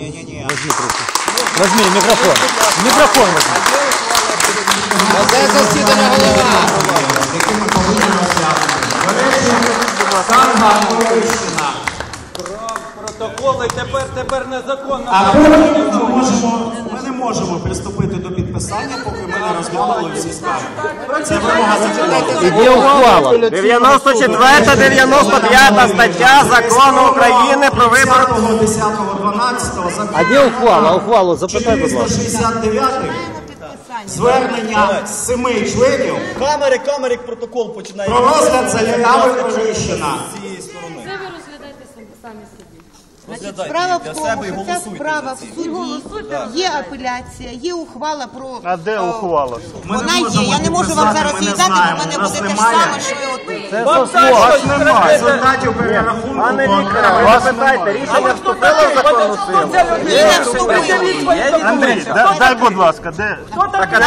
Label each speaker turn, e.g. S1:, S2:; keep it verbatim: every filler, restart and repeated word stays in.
S1: Не-не-не.
S2: Возьми трубку. Возьми микрофон. Микрофон возьми.
S1: Оце засідання голова. Санганківщина.
S3: Протоколи тепер, тепер незаконно.
S4: А потім ми, можемо, ми не можемо приступити до підписання, поки ми не розглянули всі скарги. Це вимога законодавства.
S2: Іде ухвала.
S5: дев'яносто четверта, дев'яносто п'ята стаття Закону України про вибори.
S4: десятого дванадцятого
S2: А де ухвала? Ухвалу запитай, будь ласка.
S4: чотириста шістдесят дев'ятий звернення з семи членів
S1: Камери, камери, протокол починає.
S4: про розгляд заяви Троєщина.
S1: З цієї сторони.
S6: Це ви розглядаєте самі собі.
S1: Розглядайте
S7: Справа в
S1: для
S7: тому,
S1: себе і
S7: що ця
S1: голосуйте
S7: справа
S1: за
S7: в
S1: ці.
S7: суді, є апеляція, є ухвала про...
S8: А де ухвала?
S4: Ми
S7: Вона
S4: не
S7: є,
S4: можемо
S7: я не можу вам
S4: підписати,
S7: зараз
S4: ми не
S7: її дати, бо в
S4: знаємо,
S7: мене
S4: у нас
S7: буде те ж
S4: немає.
S7: саме, що і от.
S2: Це
S3: Вам
S2: сословно.
S3: так щось
S4: В результаті перерахунку
S5: Пане
S4: по
S5: Вікторе, ви
S4: окремим-
S5: запитайте, рішення вступило в законну силу?
S7: Ні, не вступило.
S8: Андрій, дай, дай, будь ласка, де?